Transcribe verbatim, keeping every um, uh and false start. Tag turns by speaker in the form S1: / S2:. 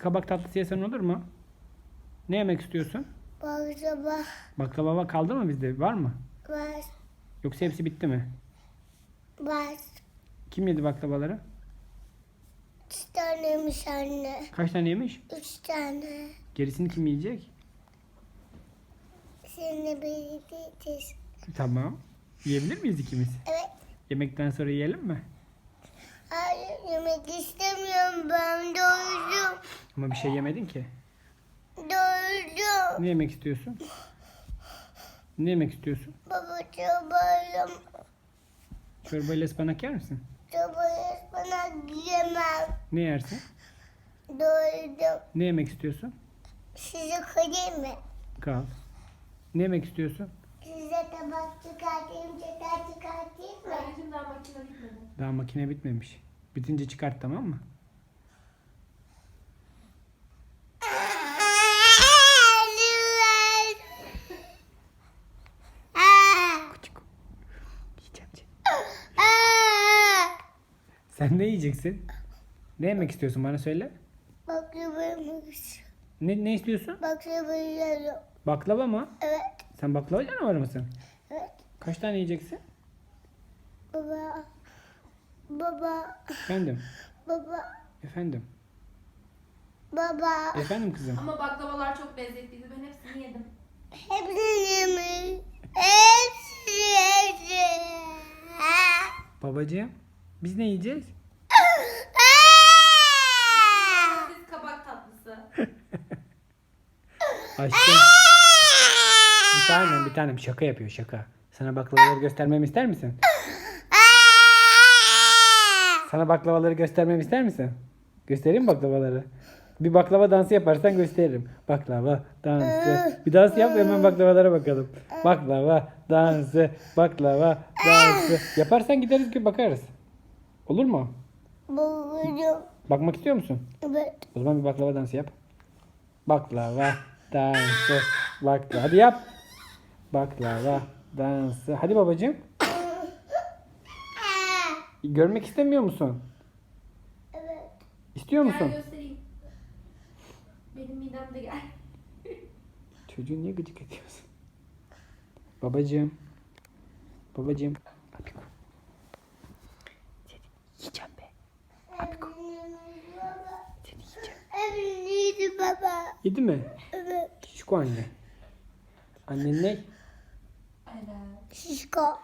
S1: kabak tatlısı yesen olur mu? Ne yemek istiyorsun?
S2: Baklava
S1: Baklava kaldı mı bizde? Var mı?
S2: var.
S1: Yoksa hepsi bitti mi?
S2: Var.
S1: Kim yedi baklavaları?
S2: Üç taneymiş anne.
S1: Kaç tane yemiş?
S2: Üç tane.
S1: Gerisini kim yiyecek?
S2: Seninle birlikte yiyeceğiz.
S1: Tamam. Yiyebilir miyiz ikimiz?
S2: Evet.
S1: Yemekten sonra yiyelim mi?
S2: Hayır yemek istemiyorum ben. Doydum.
S1: Ama bir şey yemedin ki.
S2: Doydum.
S1: Ne yemek istiyorsun? Ne yemek istiyorsun?
S2: Baba çobayım.
S1: Çorbayla ıspanak yer misin?
S2: Çobayı bana yemem.
S1: Ne yersin?
S2: Doydum.
S1: Ne yemek istiyorsun?
S2: Size koyayım mı?
S1: Kal. Ne yemek istiyorsun?
S2: Size tabak çıkartayım, çatal çıkartayım mı?
S3: Anneciğim daha makine bitmedi.
S1: Daha makine bitmemiş. Bitince çıkart, tamam mı? Küçük. Yiyeceğim seni. Sen ne yiyeceksin? Ne yemek istiyorsun, bana söyle.
S2: Baklavaymış.
S1: Ne, ne istiyorsun?
S2: Baklavayı
S1: Baklava mı?
S2: Evet,
S1: Sen baklava canavarı mısın?
S2: evet.
S1: Kaç tane yiyeceksin?
S2: Baba, baba,
S1: Efendim.
S2: baba,
S1: Efendim.
S2: baba.
S1: Efendim kızım.
S3: Ama baklavalar çok lezzetliydi. Ben hepsini yedim.
S2: Hepsini yemiş. Hepsini yedim.
S1: Babacığım. Biz ne yiyeceğiz?
S3: Siz kabak tatlısı.
S1: Aşkım. Bir tanem bir tanem şaka yapıyor, şaka. Sana baklavaları göstermemi ister misin? Sana baklavaları göstermemi ister misin? Göstereyim mi baklavaları? Bir baklava dansı yaparsan gösteririm. Baklava dansı. Bir dans yap, hemen baklavalara bakalım. Baklava dansı, baklava dansı. Yaparsan gideriz ki bakarız. Olur mu?
S2: Babacığım.
S1: Bakmak istiyor musun?
S2: Evet.
S1: O zaman bir baklava dansı yap. Baklava dansı. Baklava. Hadi yap. Baklava dansı. Hadi babacığım. Görmek istemiyor musun?
S2: Evet.
S1: İstiyor
S3: Gel
S1: musun?
S3: göstereyim. Benim midem de gel.
S1: Çocuğu niye gıcık ediyorsun? Babacığım. Babacığım. Abiko. Seni yiyeceğim be.
S2: Evliymiş baba.
S1: Seni yiyeceğim.
S2: Evliydi baba.
S1: Yedi mi?
S2: Evet.
S1: Şişko anne. Annen ne?
S3: Evet.
S2: Şişko.